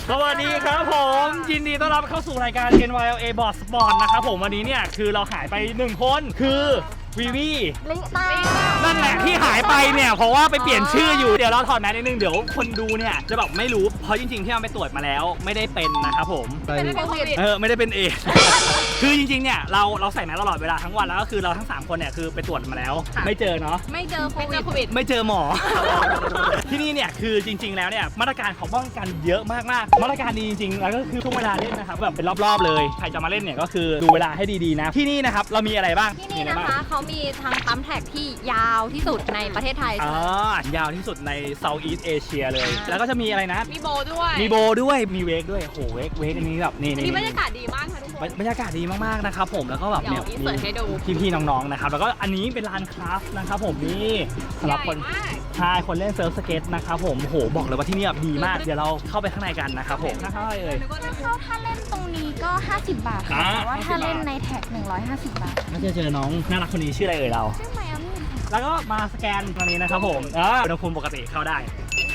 สวัสดีครับผมยินดีต้อนรับเข้าสู่รายการ NYLA Board Sport นะครับผมวันนี้เนี่ยคือเราหายไป1คนคือวีวีนั่นแหละที่หายไปเนี่ยเพราะว่าไปเปลี่ยนชื่ออยู่เดี๋ยวเราถอดแมสนิดนึงเดี๋ยวคนดูเนี่ยจะแบบไม่รู้เพราะจริงๆที่เราไปตรวจมาแล้วไม่ได้เป็นนะครับผมไม่ได้เป็นเอ คือจริงๆเนี่ยเราใส่แมสตลอดเวลาทั้งวันแล้วก็คือเราทั้ง3คนเนี่ยคือไปตรวจมาแล้วไม่เจอเนาะไม่เจอโควิดไม่เจอหมอ ที่นี่เนี่ยคือจริงๆแล้วเนี่ยมาตรการของป้องกันเยอะมากๆมาตรการดีจริงๆแล้วก็คือช่วงเวลาเล่นนะครับแบบเป็นรอบๆเลยใครจะมาเล่นเนี่ยก็คือดูเวลาให้ดีๆนะที่นี่นะครับเรามีอะไรบ้างที่นี่นะคะเขามีทางปั๊มแท็กที่ยาวที่สุดในประเทศไทยยาวที่สุดใน Southeast Asia เลยแล้วก็จะมีอะไรนะมีโบด้วยมีเวกด้วยโหเวกอันนี้แบบนี่บรรยากาศดีมากค่ะทุกคนบรรยากาศดีมากๆนะครับผมแล้วก็แบบเนี่ยพี่ๆน้องๆนะครับแล้วก็อันนี้เป็นลานคราฟนะครับผมนี่สำหรับคนชายคนเล่นเซิร์ฟสเก็ตนะครับผมโหบอกเลยว่าที่นี่แบบดีมากเดี๋ยวเราเข้าไปข้างในกันนะครับผมเข้าถ้าเล่นตรงนี้ก็50 บาทค่ะแต่ว่าถ้าเล่นในแท็ก150 บาทน่าจะเจอน้องน่ารักคนนี้ชื่ออะไรเราชื่อไมอามี่แล้วก็มาสแกนตรงนี้นะครับผมอุณหภูมิปกติเข้าได้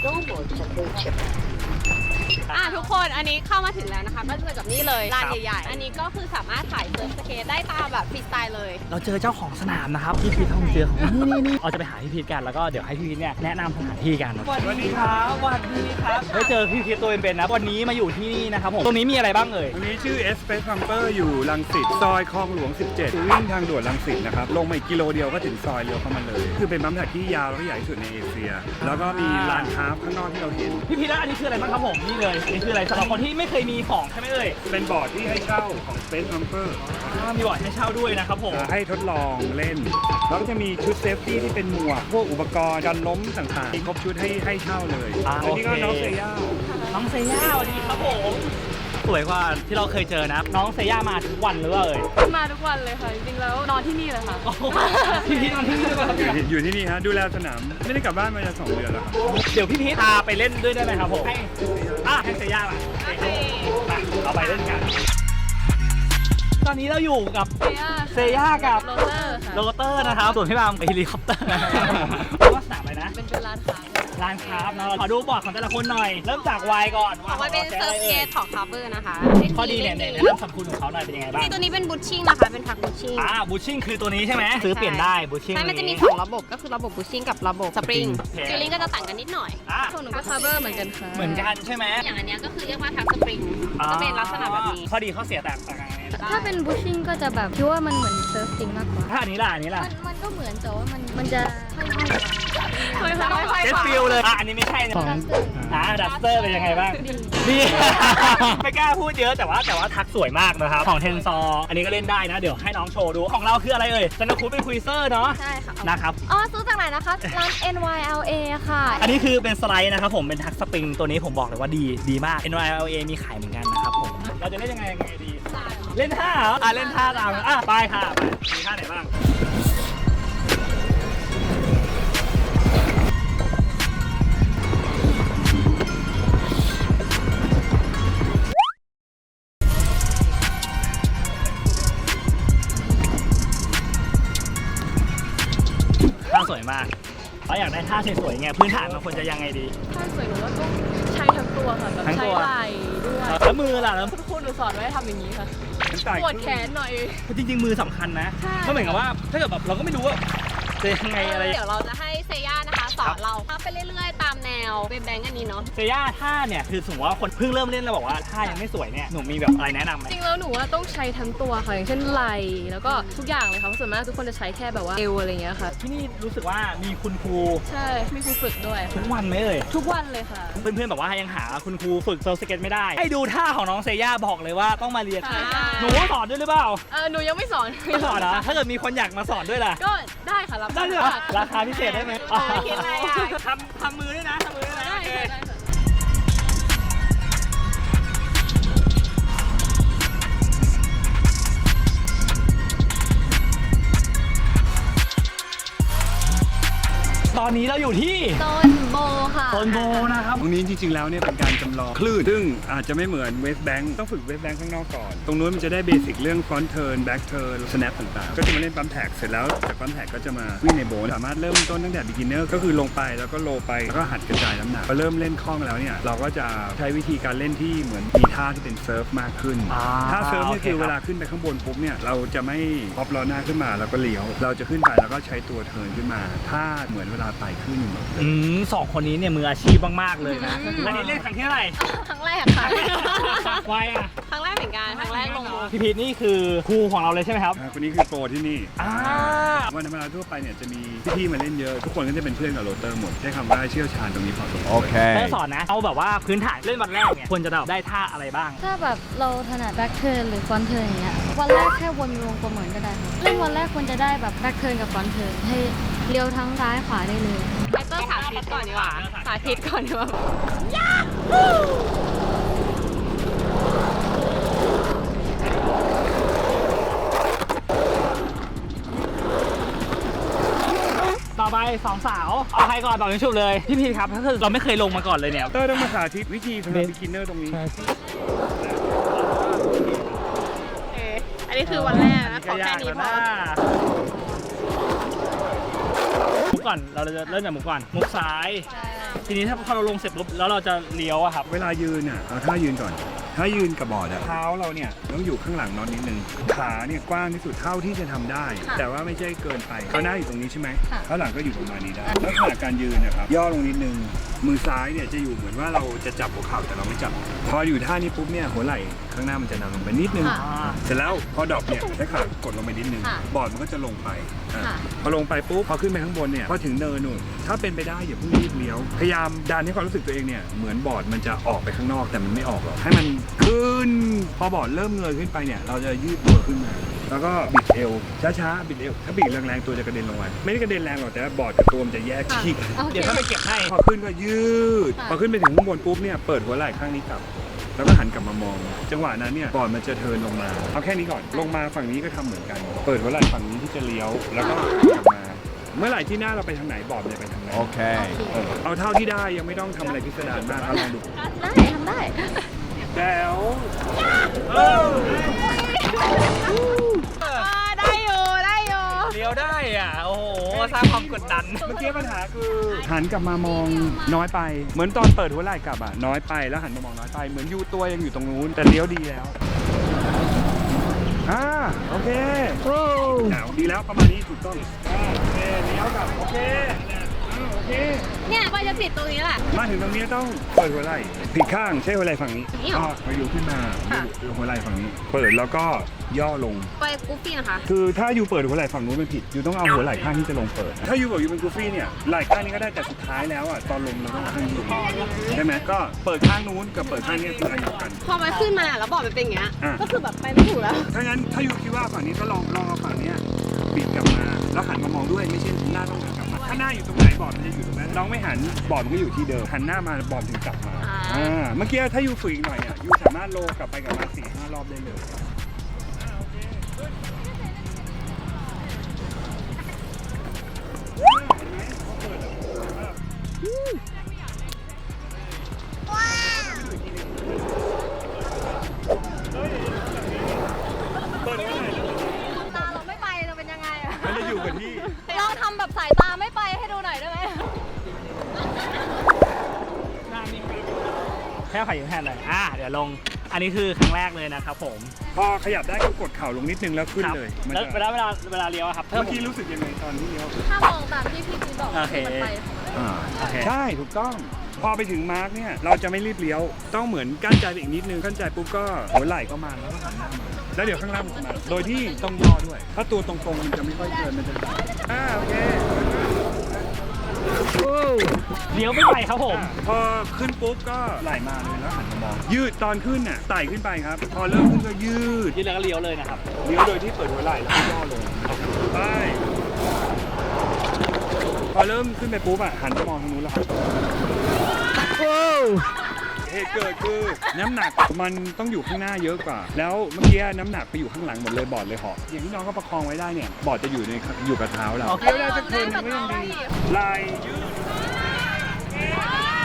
ทุกคนอันนี้เข้ามาถึงแล้วนะคะก็จะเจอกับนี่เลยลานใหญ่ๆอันนี้ก็คือสามารถถ่ายเซิร์ฟสเก็ตได้ตามแบบฟรีสไตล์เลยเราเจอเจ้าของสนามนะครับพี่พีทเจอของนี่เราจะไปหาพี่พีทกันแล้วก็เดี๋ยวให้พี่พีทเนี่ยแนะนำสถานที่กันสวัสดีครับได้เจอพี่พีทตัวเป็นๆนะวันนี้มาอยู่ที่นี่นะครับผมตรงนี้มีอะไรบ้างเอ่ยตรงนี้ชื่อ Space Pumper อยู่รังสิตซอยคลองหลวง 17วิ่งทางด่วนรังสิตนะครับลงมาอีกกิโลเดียวก็ถึงซอยเลี้ยวเข้ามาเลยคือเป็นปั๊มแท็กที่ยาวและใหญ่ที่สุดในเอเชียแล้วก็มีลานคราฟข้างนอกที่เราเห็นพี่พีทอันนี้คืออะไรบ้างครับผมนี่เลยนี่คืออะไรสำหรับคนที่ไม่เคยมีของใช่ไหมเอ่ยเป็นบอร์ดที่ให้เช่าของ Space Pumper มีบอร์ดให้เช่าด้วยนะครับผมให้ทดลองเล่นแล้วก็จะมีชุดเซฟตี้ที่เป็นหมวกพวกอุปกรณ์การล้มต่างๆมีครบชุดให้เช่าเลยอันนี้ก็น้องเซย่าสวัสดีครับผมสวยกว่าที่เราเคยเจอนะน้องเซย่ามาทุกวันหรือเปล่าเอ่ยมาทุกวันเลยค่ะจริงๆแล้วนอนที่นี่เลยค่ะพี่พีทนอนที่นี่ด้วยอยู่ที่นี่ฮะดูแลสนามไม่ได้กลับบ้านมาจะ2 เดือนแล้วครับเดี๋ยวพี่พีทพาไปเล่นด้วยได้ไหมครับผมให้เซย่ามาเราไปเล่นกันตอนนี้เราอยู่กับเซย่ากับโรเตอร์นะครับส่วนพี่บามกับเฮลิคอปเตอร์ว่าสนามอะไรนะเป็นร้านค้านะขอดูบอร์ดของแต่ละคนหน่อยเริ่มจากวายก่อนมันเป็นเซิร์ฟสเก็ตของคาร์เบอร์นะคะข้อดีเนี่ยเรื่องสรรพคุณของเขาหน่อยเป็นยังไงบ้างตัวนี้เป็นบูชชิ่งนะคะเป็นพักบูชชิ่งบูชชิ่งคือตัวนี้ใช่ไหมซื้อเปลี่ยนได้บูชชิ่งมันจะมี2ระบบก็คือระบบบูชชิ่งกับระบบสปริงฟิลลิ่งก็จะต่างกันนิดหน่อยส่วนหนูก็คาร์เบอร์เหมือนกันค่ะเหมือนกันใช่ไหมอย่างอันนี้ก็คือเรียกว่าทักสปริงจะเป็นลักษณะแบบนี้ข้อดีข้อเสียแตกต่างกันถ้าเป็นบูชชิ่งก็จะแบบคิดว่ามันเหมือนเซิร์ฟจริงมากกว่าถ้าอันนี้ล่ะมันก็เหมือนแต่ว่ามันจะค่อยเจสฟิลเลยอันนี้ไม่ใช่นะดัสเตอร์เป็นยังไงบ้างนี่ไม่กล้าพูดเยอะแต่ว่าทักสวยมากนะครับของเทนซอร์อันนี้ก็เล่นได้นะเดี๋ยวให้น้องโชว์ดูของเราคืออะไรเอ่ยซันนาคูดเป็นคุยเซอร์เนาะใช่ค่ะนะครับซื้อจากไหนนะคะร้าน NYLA ค่ะอันนี้คือเป็นสไลด์นะครับผมเป็นทักสปริงตัวนี้ผมบอกเลยว่าดีมาก NYLA มีขายเหมือนกันนะครับผมเราจะเล่นยังไงดีเล่นท่าเหรอเล่นท่าตามไปค่ะมีท่าไหนบ้างท่าสวยมากเราอยากได้ท่าสวยๆไงพื้นฐานมันควรจะยังไงดีท่าสวยหนูว่าต้องใช้ทั้งตัวค่ะแบบใช้ไหล่ด้วยแล้วมือล่ะแล้วคุณหนูสอนไว้ทำอย่างนี้ค่ะปวดแขนหน่อยจริงๆมือสำคัญนะเพราะเหมือนกับว่าถ้าเกิดแบบเราก็ไม่รู้ว่าจะยังไงอะไรเดี๋ยวเราจะให้เซย่านะคะสอนเราไปเรื่อยๆตามแนวเป็นแบงก์อันนี้เนาะเซย่าท่าเนี่ยคือสมมติว่าคนเพิ่งเริ่มเล่นแล้วบอกว่าท่ายังไม่สวยเนี่ยหนูมีแบบอะไรแนะนำไหมจริงแล้วหนูว่าต้องใช้ทั้งตัวค่ะอย่างเช่นไหล่แล้วก็ทุกอย่างเลยค่ะส่วนมากทุกคนจะใช้แค่แบบว่าเอวอะไรเงี้ยค่ะที่นี่รู้สึกว่ามีคุณครูใช่มีครูฝึกด้วยทุกวันไหมเอ่ยทุกวันเลยค่ะเพื่อนๆแบบว่ายังหาคุณครูฝึกเซิร์ฟสเก็ตไม่ได้ให้ดูท่าของน้องเซย่าบอกเลยว่าต้องมาเรียนหนูสอนด้วยหรือเปล่าหนูยังไม่สอนนะถ้าเกิดมีคนอยากมาสอนด้วยล่ะก็ได้ค่ะรับได้เลยราคาพิเศษได้ไหมคิดอะไรทำมือด้วยนะตอนนี้เราอยู่ที่โซนโบค่ะค่ะโซนโบนะครับตรงนี้จริงๆแล้วเนี่ยเป็นการจำลองคลื่นซึ่งอาจจะไม่เหมือนเวสแบงค์ต้องฝึกเวสแบงค์ข้างนอกก่อนตรงนู้นมันจะได้เบสิกเรื่องฟรอนต์เทิร์นแบ็กเทิร์นสแนปต่างๆก็จะมาเล่นปั๊มแท็กเสร็จแล้วจากปั๊มแท็กก็จะมาวิ่งในโบสามารถเริ่มต้นตั้งแต่ beginner ก็คือลงไปแล้วก็โลไปแล้วก็หัดกระจายน้ำหนักพอเริ่มเล่นคล่องแล้วเนี่ยเราก็จะใช้วิธีการเล่นที่เหมือนมีท่าที่เป็นเซิร์ฟมากขึ้นถ้าเซิร์ฟเนี่ยคือเวลาขึ้นไปข้างบนปุ๊บเนี่ยเราจะไม่พอปล้อหน้าขึ้นมาแล้วก็เลี้ยวเราจะขึ้นไปแล้วก็ใช้ตัวเทิร์นขึ้นมาถ้าเหมือนเวลาไต่ขึ้นสองคนนี้เนี่ยมืออาชีพมากๆเลยนะอันนี้เล่นครั้งที่เท่าไหร่ครั้งแรกค่ะไวอ่ะครั้งแรกเหมือนกันครั้งแรกลงพี่พีทนี่คือครูของเราเลยใช่ไหมครับคนนี้คือโปรที่นี่อ่าวันธรรมดาทั่วไปเนี่ยจะมีพี่ๆมาเล่นเยอะทุกคนก็จะเป็นเพื่อนกับโรเตอร์หมดใช้คำว่าเชี่ยวชาญตรงนี้พอสมควรได้สอนนะเอาแบบว่าพื้นฐานเล่นวันแรกเนี่ยควรจะได้ท่าอะไรบ้างถ้าแบบเราถนัดแบ็คเทิร์นหรือฟรอนต์เทิร์นอย่างเงี้ยวันแรกแค่วนวงกลมเหมือนก็ได้ค่ะเล่นวันแรกควรจะได้แบบแบ็คเทิร์นกับฟรอนต์เทิร์นให้เลี้ยวทั้งซ้ายขวาได้เลยไอเตอร์สาธิตก่อนดีกว่าสาธิตก่อนดีกว่าต่อไปสองสาวเอาใครก่อนต่อยังชุบเลยพี่พีทครับถ้าคือเราไม่เคยลงมาก่อนเลยเนี่ยเตอร์ต้องมาสาธิตวิธีสำหรับ beginner ตรงนี้อันนี้คือวันแรกนะขอแค่นี้พอมุกก่อนเราจะเริ่มจากมุกก่อนมุกซ้าย ทีนี้ถ้าพอเราลงเสร็จปุ๊บแล้วเราจะเลี้ยวอะครับเวลายืนอ่ะเอาท่ายืนก่อนถ้ายืนกับบอร์ดอะเท้าเราเนี่ยต้องอยู่ข้างหลังน็อตนิดนึงขาเนี่ยกว้างที่สุดเท่าที่จะทำได้ แต่ว่าไม่ใช่เกินไปเขาหน้าอยู่ตรงนี้ใช่ไหมข้างหลังก็อยู่ประมาณนี้ได้แล้วขณะการยืนนะครับย่อลงนิดนึงมือซ้ายเนี่ยจะอยู่เหมือนว่าเราจะจับหัวเข่าแต่เราไม่จับพออยู่ท่านี้ปุ๊บเนี่ยหัวไหล่ข้างหน้ามันจะนำลงไปนิดนึงเสร็จแล้วพอดรอปเนี่ยใช้ขากดลงไปนิดนึงบอร์ดมันก็จะลงไปพอลงไปปุ๊บพอขึ้นไปข้างบนเนี่ยพอถึงเนินนู่นถ้าเป็นไปได้อย่าเพิ่งรีบเลี้ยวพยายามดันให้ความรู้สึกตัวเองเนี่ยเหมือนบอร์ดมันจะออกไปข้างนอกแต่มันไม่ออกหรอกให้มันขึ้นพอบอร์ดเริ่มเงยขึ้นไปเนี่ยเราจะยืดตัวขึ้นมาแล้วก็บิดเอวช้าๆบิดเอวถ้าบิดแรงๆตัวจะกระเด็นลงไปไม่ได้กระเด็นแรงหรอกแต่บอร์ดกับตัวมันจะแยกขีกเดี๋ยวถ้าไปเก็บให้พอขึ้นก็ยืดพอขึ้นไปถึงข้างบนปุ๊บเนี่ยเปิดหัวไหล่ข้างนี้กลับแล้วก็หันกลับมามองจังหวะนั้นเนี่ยบอร์ดมันจะเทิร์นลงมาเอาแค่นี้ก่อนลงมาฝั่งนี้ก็ทำเหมือนกันเปิดหัวไหล่ฝั่งนี้ที่จะเลี้ยวแล้วก็กลับมาเมื่อไหร่ที่หน้าเราไปทางไหนบอร์ดจะไปทางนั้นเอาเท่าที่ได้ยังไม่ต้องทำอะไรพิสดารมากลองดูได้ทำได้แจ๋วได้อยู่ได้อยู่เลี้ยวได้อ่ะโอ้โหสร้างความกดดันเมื่อกี้ปัญหาคือหันกลับมามองน้อยไปเหมือนตอนเปิดหัวไหล่กลับอ่ะน้อยไปแล้วหันมามองน้อยไปเหมือนยูตัวยังอยู่ตรงนู้นแต่เลี้ยวดีแล้วโอเคดีแล้วประมาณนี้ถูกต้องโอเคเลี้ยวกลับโอเคโอเคเนี่ยก็จะติดตรงนี้แหละมาถึงตรงนี้ต้องเปิดหัวไหล่ผิดข้างใช้หัวไหล่ฝั่งนี้นี่เหรอก็ยูขึ้นมายูหัวไหล่ฝั่งนี้ เปิดแล้วก็ย่อลงไปกูฟี่นะคะคือถ้ายูเปิดหัวไหล่ฝั่งนู้นมันผิดยูต้องเอาหัวไหล่ข้างที่จะลงเปิด ถ้ายูบอกยูเป็นกูฟี่เนี่ยไหล่ข้างนี้ก็ได้แต่สุดท้ายแล้วอ่ะตอนลงเราต้องข้างนี้ใช่ไหมก็เปิดข้างนู้นกับเปิดข้างนี้คืออันเดียวกันพอมันขึ้นมาแล้วบอกมันเป็นอย่างเงี้ยอ่ะก็คือแบบไปไม่ถูกแล้วถ้างั้นถ้ายูคิดว่าฝั่งนี้ก็ลองเอาฝั่งเนี้ยบิดกลับมาแล้วหันมามองด้วยไม่ใช่หน้าต้องหันกลับมาถ้าหน้าอยู่ตรงไหนบอร์ดมันจะอยู่ตรงนั้นน้องไม่หันบอร์ดมันก็อยู่ที่เดิมหันหน้ามาบอร์ดถึงกลับมาเมื่อกี้ถ้ายูฝึกอีกหน่อยเนี่ยยูสามารถโลกลับไปกลับมา4-5 รอบได้เลยตาเราไม่ไปจะเป็นยังไงอะมันจะอยู่กับที่ลองทำแบบสายตาไม่ไปให้ดูหน่อยได้ไหมแค่ไข่ยังแทนเลยเดี๋ยวลงอันนี้คือครั้งแรกเลยนะครับผมพอขยับได้ก็กดเข่าลงนิดนึงแล้วขึ้นเลยแล้วเเวลาเลี้ยวอะครับมื่อกี้รู้สึกยังไงตอนที่เลี้ยวถ้ามองตามที่พี่พีบอกโอเคมันไปโอเคใช่ถูกต้องพอไปถึงมาร์กเนี่ยเราจะไม่รีบเลี้ยวต้องเหมือนกั้นใจไปอีกนิดนึงกั้นใจปุ๊บก็หัวไหล่ก็มาแล้วก็หันหน้ามาแล้วเดี๋ยวข้างล่างมันจะมาโดยที่ต้องย่อด้วย ถ้าตัวตรงๆมันจะไม่ค่อยเกินมันจะโอเคเลี้ยวไม่ไปครับผมพอขึ้นปุ๊บก็ไหลมาเลยแล้วหันมามองยืดตอนขึ้นน่ะไต่ขึ้นไปครับ พอเริ่มขึ้นก็ยืดยืนแล้วก็เลี้ยวเลยนะครับเลี้ยวโดยที่เปิดหัวไหล่แล้วก็ย่อลงไปพอเริ่มขึ้นไปปุ๊บหันไปมองทางนู้นแล้วครับเหตุเกิดคือน้ำหนักมันต้องอยู่ข้างหน้าเยอะกว่า แล้วเมื่อกี้น้ำหนักไปอยู่ข้างหลังหมดเลยบอร์ดเลยเหาะอย่างที่น้องก็ประคองไว้ได้เนี่ยบอร์ดจะอยู่กับเท้าเราโอเคเลี้ยวได้สักเทิร์นหนึ่งก็ยังดีไหล่ยืด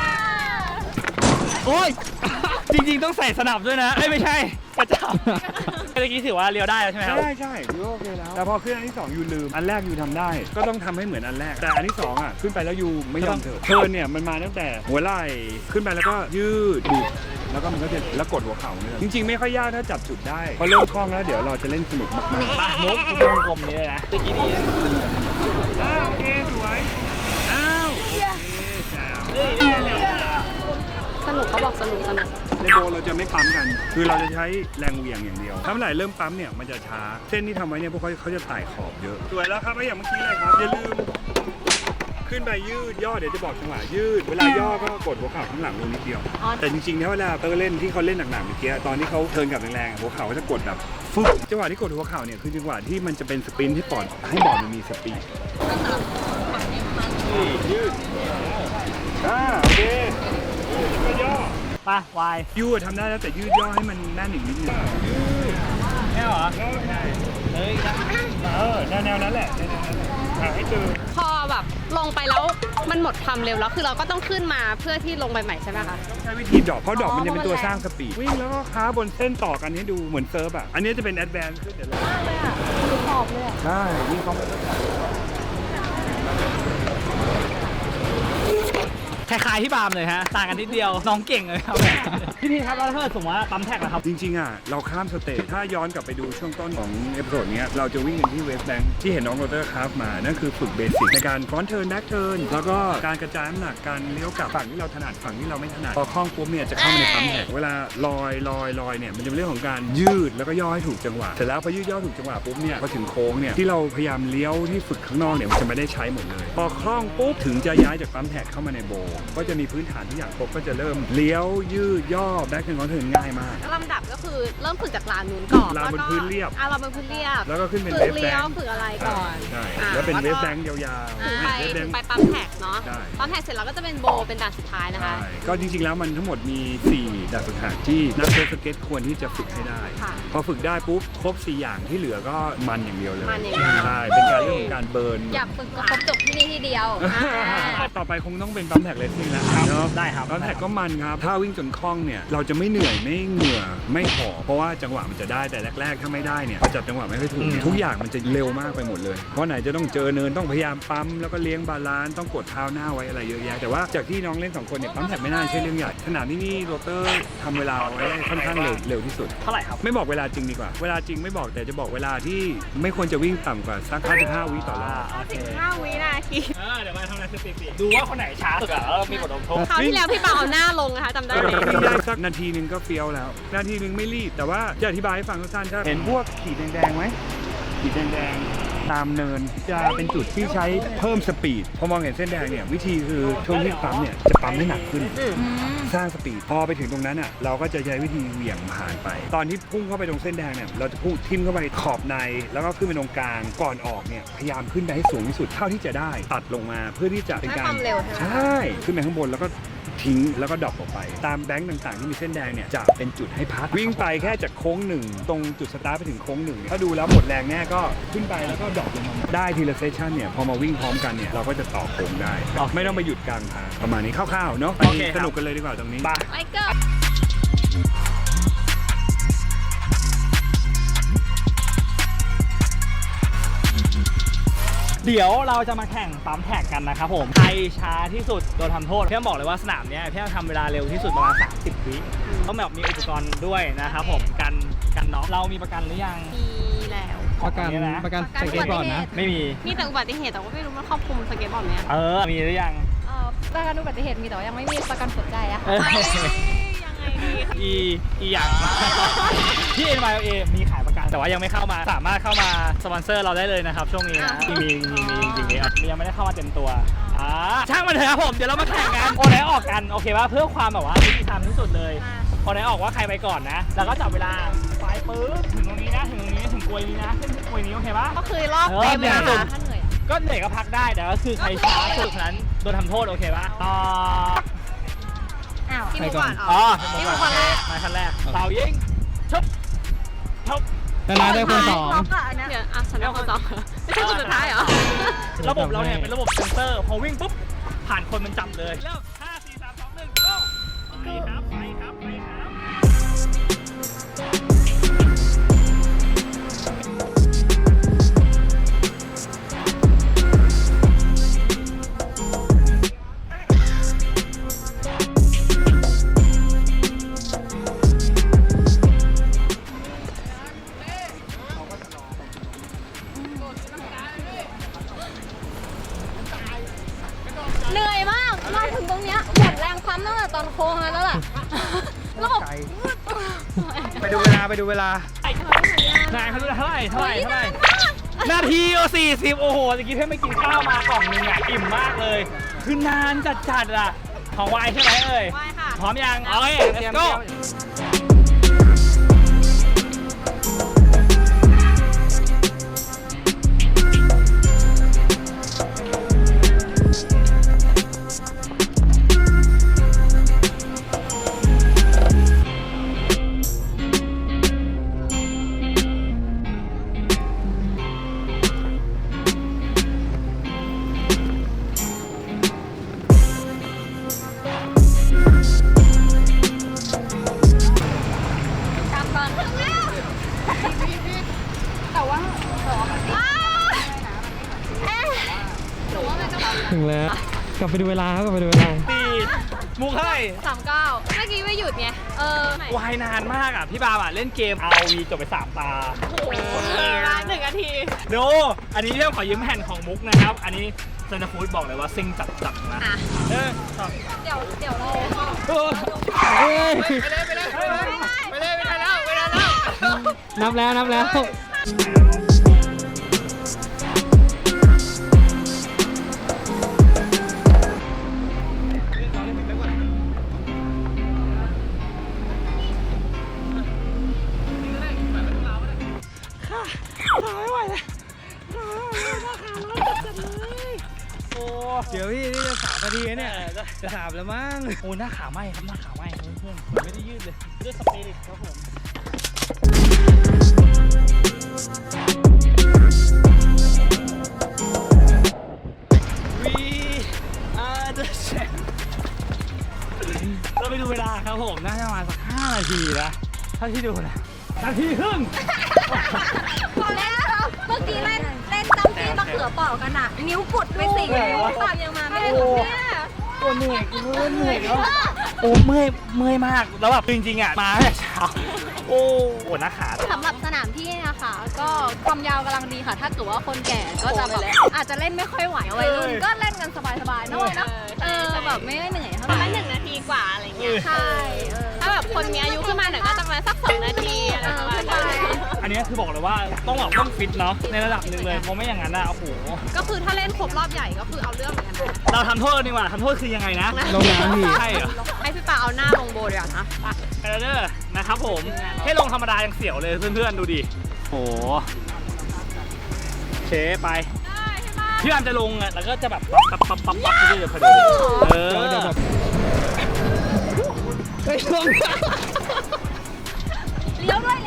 โอ้ย จริงๆต้องใส่สนับด้วยนะไม่ใช่กระจับเมื่อกี้ถือว่าเลี้ยวได้แล้วใช่ไหมครับใช่ยูโอเคแล้วแต่พอขึ้นอันที่2ยูลืมอันแรกยูทำได้ก็ต้องทำให้เหมือนอันแรกแต่อันที่2อ่ะขึ้นไปแล้วยูไม่ยอมเถิดเทิร์นเนี่ยมันมาตั้งแต่หัวไหล่ขึ้นไปแล้วก็ยืดบิดแล้วก็มันก็จะแล้วกดหัวเข่าเนี่ยจริงๆไม่ค่อยยากถ้าจับจุดได้พอเริ่มคล่องแล้วเดี๋ยวเราจะเล่นสนุกมากๆมามุกวงกลมนี้เลยนะเมื่อกี้ดีโอเคสวยอ้าวโอเคแจ๋วสนุกเขาบอกสนุกในโบเราจะไม่ปั๊มกัน คือเราจะใช้แรงเหวี่ยงอย่างเดียวถ้าเมื่อไหร่เริ่มปั๊มเนี่ยมันจะช้าเส้นที่ทำไว้เนี่ยพวกเขาจะไต่ขอบเยอะสวยแล้วครับแล้วอย่างเมื่อกี้เลยครับอย่าลืมขึ้นไปยืดย่อเดี๋ยวจะบอกจังหวะยืดเวลาย่อก็กดหัวเข่าข้างหลังลงนิดเดียวแต่จริงๆเนี่ยเวลาเล่นที่เขาเล่นหนักๆเมื่อกี้ตอนที่เขาเทิร์นกลับแรงๆหัวเข่าก็จะกดแบบฟึ๊บจังหวะที่กดหัวเข่าเนี่ยคือจังหวะที่มันจะเป็นสปรินท์ที่ปอดให้บอลมันมีสปีดยืดโอเคก็ย่อไปวายยืดทำได้แล้วแต่ยืดย่อให้มันแน่นอีกนิดนึงแค่เหรอใช่เฮ้ยแนวนั้นแหละให้เจอพอแบบลงไปแล้วมันหมดความเร็วแล้วคือเราก็ต้องขึ้นมาเพื่อที่ลงไปใหม่ใช่ไหมคะใช้วิธีดรอปเพราะดรอปมันจะเป็นตัวสร้างสปีดวิ่งแล้วก็ค้าบนเส้นต่อกันให้ดูเหมือนเซิร์ฟอ่ะอันนี้จะเป็นแอดแวนซ์ขึ้นเดี๋ยวขอบเลยใช่นี่เขาคล้ายๆที่บาร์มเลยฮะต่างกันนิดเดียวน้องเก่งเลยครับพี่ครับแล้วถ้าเกิดสมมติว่าปั๊มแท็กนะครับจริงๆอ่ะเราข้ามสเตจถ้าย้อนกลับไปดูช่วงต้นของเอพิโซดนี้เราจะวิ่งกันที่เวสแบงค์ที่เห็นน้องโรเตอร์คราฟมานั่นคือฝึกเบสิกในการฟรอนต์เทิร์นแบ็คเทิร์นแล้วก็การกระจายน้ำหนักการเลี้ยวกลับฝั่งที่เราถนัดฝั่งที่เราไม่ถนัดพอคล่องปุ๊บเนี่ยจะเข้ามาในปั๊มแท็กเวลาลอยเนี่ยมันจะเป็นเรื่องของการยืดแล้วก็ย่อให้ถูกจังหวะเสร็จแล้วพอยืดย่อถูกจังหวะปุ๊บเนี่ยพอถึงโค้งเนี่ยที่เราพยายามเลี้ยวที่ฝึกข้างนอกเนี่ยมันจะไม่ได้ใช้หมดเลยพอคล่องปุ๊บถึงจะย้ายจากปั๊มแท็กเข้ามาในโบก็จะมีพื้นฐานทุกอย่างครบก็จะเริ่มเลี้ยวยืดย่อแบ็คเทิร์นคอนเทิร์นง่ายมากลำดับก็คือเริ่มฝึกจากลานนู้นก่อนลานบนพื้นเรียบลานบนพื้นเรียบแล้วก็ขึ้นเป็นฝึเวกฟแบเลี้ยวงค์ฝึกอะไรก่อนใช่แล้วเป็นเวฟแบงค์ยาวๆถึงเวฟแบงค์ไปปั๊มแท็กเนาะใช่ปั๊มแท็กเสร็จแล้วก็จะเป็นโบเป็นด่านสุดท้ายนะคะใช่ก็จริงๆแล้วมันทั้งหมดมี4ด่านฝึกหัดที่นักเซิร์ฟสเก็ตควรที่จะฝึกให้ได้ค่ะพอฝึกได้ปุ๊บครบ4อย่างที่เหลือก็มันอย่างเดียวเลยมันอย่างเดียวใช่เป็นการเรื่องของการเบิร์นอยากฝึกก็ครบจบที่นี่ที่เดียวต่อไปคงต้องเป็นปั๊มแท็กเลสซิ่งแล้วเนาะได้ครับปั๊มแท็กก็มันครับถ้าวิ่งจนคล่องเนี่ยเราจะไม่เหนื่อยไม่เหงื่อไม่หอบเพราะว่าจังหวะมันจะได้แต่แรกๆถ้าไม่ได้เนี่ยจับจังหวะไม่ค่อยถูกเนี่ยทุกอย่างมันจะเร็วมากไปหมดเลยเพราะไหนจะต้องเจอเนินต้องพยายามปั๊มแล้วก็เลี้ยงบาลานซ์ต้องกดเท้าหน้าไว้อะไรเยอะแยะแต่ว่าจากที่น้องเล่น2คนเนี่ยปั๊มแท็กไม่น่าใช่เรื่องใหญ่ขนาดนี้นี่โรเตอร์ทำเวลาไว้ได้ค่อนข้างเร็วที่สุดเท่าไหร่ครับไม่บอกเวลาจริงดีกว่าเวลาจริงไม่บอกแต่จะบอกเวลาที่ไม่ควรจะวิ่งต่ำกว่าสัก55 วิต่อรอบโอเค 15 วินาทีเดี๋ยวมาทำอะไรสถิติดูว่าคนไหนช้าสุดอะแล้วมีบทลงโทษคราวที่แล้วพี่ปาเอาหน้าลงนะคะจำได้ไหมวิ่งได้สักนาทีหนึ่งก็เฟี้ยวแล้วนาทีหนึ่งไม่รีบแต่ว่าจะอธิบายให้ฟังสั้นๆถ้าเห็นพวกขีดแดงๆไหมขีดแดงๆตามเนินจะเป็นจุดที่ใช้เพิ่มสปีดพอมองเห็นเส้นแดงเนี่ยวิธีคือช่วงที่ปั๊มเนี่ยจะปั๊มให้หนักขึ้นสร้างสปีดพอไปถึงตรงนั้นอ่ะเราก็จะใช้วิธีเหวี่ยงผ่านไป ตอนที่พุ่งเข้าไปตรงเส้นแดงเนี่ยเราจะพุ่งทิ่มเข้าไปขอบในแล้วก็ขึ้นไปตรงกลางก่อนออกเนี่ยพยายามขึ้นไปให้สูงที่สุดเท่าที่จะได้ตัดลงมาเพื่อที่จะเป็นการให้ความเร็วใช่ไหมใช่ขึ้นไปข้างบนแล้วก็ทิ้งแล้วก็ดรอปออกไปตามแบงค์ต่างๆที่มีเส้นแดงเนี่ยจะเป็นจุดให้พักวิ่งไปแค่จากโค้ง1ตรงจุดสตาร์ทไปถึงโค้ง1ถ้าดูแล้วหมดแรงแน่ก็ขึ้นไปแล้วก็ดรอปลงมาได้ทีละเซสชั่นเนี่ยพอมาวิ่งพร้อมกันเนี่ยเราก็จะต่อโค้งได้ไม่ต้องไปหยุดกลางทางประมาณนี้คร่าวๆเนาะโอเคครับสนุกกันเลยดีกว่าตรงนี้ไปไมเคิลเดี๋ยวเราจะมาแข่งปั๊มแท็กกันนะครับผมใครช้าที่สุดโดนทำโทษพี่ต้องบอกเลยว่าสนามเนี้ยพี่ต้องทำเวลาเร็วที่สุดประมาณ30 วิต้องแบบมีอุปกรณ์ด้วยนะครับผมกันน็อกเรามีประกันหรือยังมีแล้วประกันนะประกันสเก็ตบอร์ดนะไม่มีมีแต่อุบัติเหตุแต่ว่าไม่รู้มันครอบคลุมสเก็ตบอร์ดไหมอะมีหรือยังประกันอุบัติเหตุมีแต่ว่ายังไม่มีประกันหัวใจอะค่ะเอ้ยยังไงดีอีอย่างที่ NYLA มีขายประกันแต่ว่ายังไม่เข้ามาสามารถเข้ามาสปอนเซอร์เราได้เลยนะครับช่วงนี้นะมีจริงๆยังไม่ได้เข้ามาเต็มตัวช่างมันเถอะครับผมเดี๋ยวเรามาแข่งกันโอไหนออกกันโอเคป่ะเพื่อความแบบว่ายุติธรรมที่สุดเลยโอไหนออกว่าใครไปก่อนนะแล้วก็จับเวลาไปปึ๊บถึงตรงนี้นะถึงตรงนี้ถึงกลวยนี้นะขึ้นกลวยนี้โอเคป่ะก็คือรอบเต็มเลยนะคะก็เหนื่อยก็พักได้แต่ก็คือใครช้าสุดนั้นโดนทำโทษโอเคป่ะต่อที่มุกก่อนอ๋อที่มุกคนแรกมาขั้นแรกเป่ายิงชุบชุบชนะได้คนสองเดี๋ยวฉันเป็นคนสองไม่ใช่คนสุดท้ายเหรอระบบเราเนี่ยเป็นระบบเซ็นเซอร์พอวิ่งปุ๊บผ่านคนมันจับเลยเริ่ม5 4 3 2 1 go ไปครับไปำตั้งแต่ตอนโค้งแล้วล่ะแล้วไปดูเวลานายเขาดูเท่าไหร่นาที40โอ้โหตะกี้เพื่อนไม่กินข้าวมากล่องนึงอ่ะอิ่มมากเลยคือนานจัดอ่ะของวายใช่ไหมเอ่ยไหว้ค่ะพร้อมยังโอเค let's go กลับก่อนถึงแล้วแต่ว่าหนูว่ามันจะถึงแล้ว กลับไปดูเวลาครับกลับไปดูเวลาตีมุกเท่าไหร่ 39เมื่อกี้ไม่หยุดไงวายนานมากอ่ะพี่บาล์มอ่ะเล่นเกม ROV จบไป3 ตาโอ้โห1 นาทีดูอันนี้เรื่องขอยืมแผ่นของมุกนะครับ อันนี้เซนต์ฟูดบอกเลยว่าซิงจัดนะอ่ะสองเดี๋ยวเรานับแล้วโอ้เดี๋ยวพี่นี่จะ3 นาทีเนี่ย จะ3แล้วมั้งโหหน้าขาไหมครับหน้าขาไหมเพื่อนๆไม่ได้ยืดเลยด้วยสปิริตครับผมเราไปดูเวลาครับผมน่าจะประมาณสัก5 นาทีนะถ้าที่ดูนะนาทีครึ่งพอแล้วเมื่อกี้เล่นจำปีมะเขือเปอกกันอ่ะ นิ้วกุดไป4 นิ้วปากยังมาไม่ได้ถึงเนี่ยโอ้เหนื่อยแล้วโอ้เมื่อยมากแล้วแบบจริงๆอ่ะมาตั้งแต่เช้าโอ้โหหน้าขาสำหรับสนามที่นะคะก็ความยาวกำลังดีค่ะ ถ้าเกิดว่าคนแก่ก็จะแบบอาจจะเล่นไม่ค่อยไหววัยรุ่นก็เล่นกันสบายๆน้อยนะแบบไม่ได้เหนื่อยเท่าประไหมาร่ณ1 นาทีกว่าอะไรเงี้ยใช่ถ้าแบบคนมีอายุขึ้นมาหน่อยก็จะมาสัก2 นาทีอะไรประมาณนั้นอันนี้คือบอกเลยว่าต้องฟิตเนาะในระดับหนึ่งเลยเพราะไม่อย่างนั้นอ่ะโอ้โหก็คือถ้าเล่นครบรอบใหญ่ก็คือเอาเรื่องเหมือนกันนะเราทำโทษกันดีกว่าทำโทษคือยังไงนะลงน้ำพี่ใช่เหรอให้พี่ปาเอาหน้าลงโบเดี๋ยวนะไปแคนาเดอร์นะครับผมให้ลงธรรมดายังเสียวเลยเพื่อนๆดูดิโอ้โหเชไปพี่อามจะลงอ่ะแล้วก็จะแบบปั๊บเรื่อยๆพอดีเดี๋ยวแบบเฮ้ยลงเลี้ยวด้วย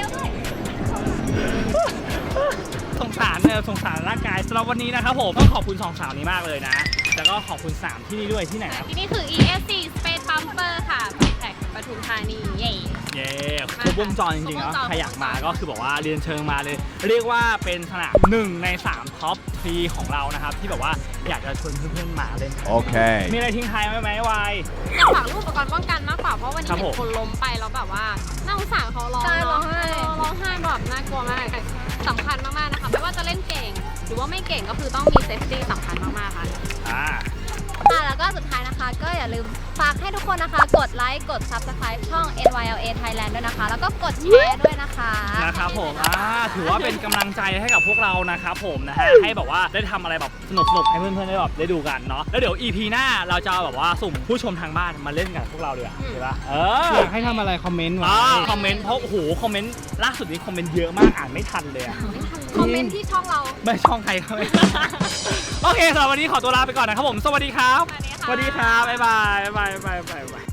สงสารร่างกายสำหรับวันนี้นะครับผมต้องขอบคุณ2 สาวนี้มากเลยนะแล้วก็ขอบคุณ3ที่นี่ด้วยที่ไหนครับที่นี่คือ ESC Space Bumper ค่ะแท็กปทุมธานีเย่เย้ครบวงจรจริงๆเนาะใครอยากมาก็คือบอกว่าเรียนเชิญมาเลย เรียกว่าเป็นสนาม1 ใน 3 ท็อป 3 ของเรานะครับที่แบบว่าอยากจะชวนเพื่อนๆมาเล่นโอเคมีอะไรทิ้งท้ายไหมวายอยากฝากลูกอุปกรณ์ป้องกันมากกว่าเพราะวันนี้ครับเห็ผมนคนล้มไปแล้วแบบว่าน่าสงสารเขาร้องใช่ร้เนาะองไห้ร้องไห้แบบน่ากลัวมากสำคัญมากๆนะคะไม่ว่าจะเล่นเก่ง หรือว่าไม่เก่งก็คือต้องมีเซฟตี้สำคัญมากๆค่ะแล้วก็สุดท้ายนะคะก็อย่าลืมฝากให้ทุกคนนะคะ กดไลค์กด Subscribe ช่อง NYLA Thailand ด้วยนะคะ แล้วก็กดแชร์ด้วยนะคะนะครับผมถือว่าเป็นกำลังใจให้กับพวกเรานะครับผมนะฮะให้แบบว่าได้ทำอะไรแบบสนุกๆให้เพื่อนๆได้แบบได้ดูกันเนาะแล้วเดี๋ยว EP หน้าเราจะแบบว่าสุ่มผู้ชมทางบ้านมาเล่นกับพวกเราดีกว่าใช่ปะอยากให้ทำอะไรคอมเมนต์ไว้คอมเมนต์เพราะโอ้โหคอมเมนต์ล่าสุดนี้คอมเมนต์เยอะมากอ่านไม่ทันเลยอะคอมเมนต์ที่ช่องเราไม่ช่องใครเขาไม่ โอเคสำหรับวันนี้ขอตัวลาไปก่อนนะครับผมสวัสดีครับสวัสดีค่ะบ๊ายบาย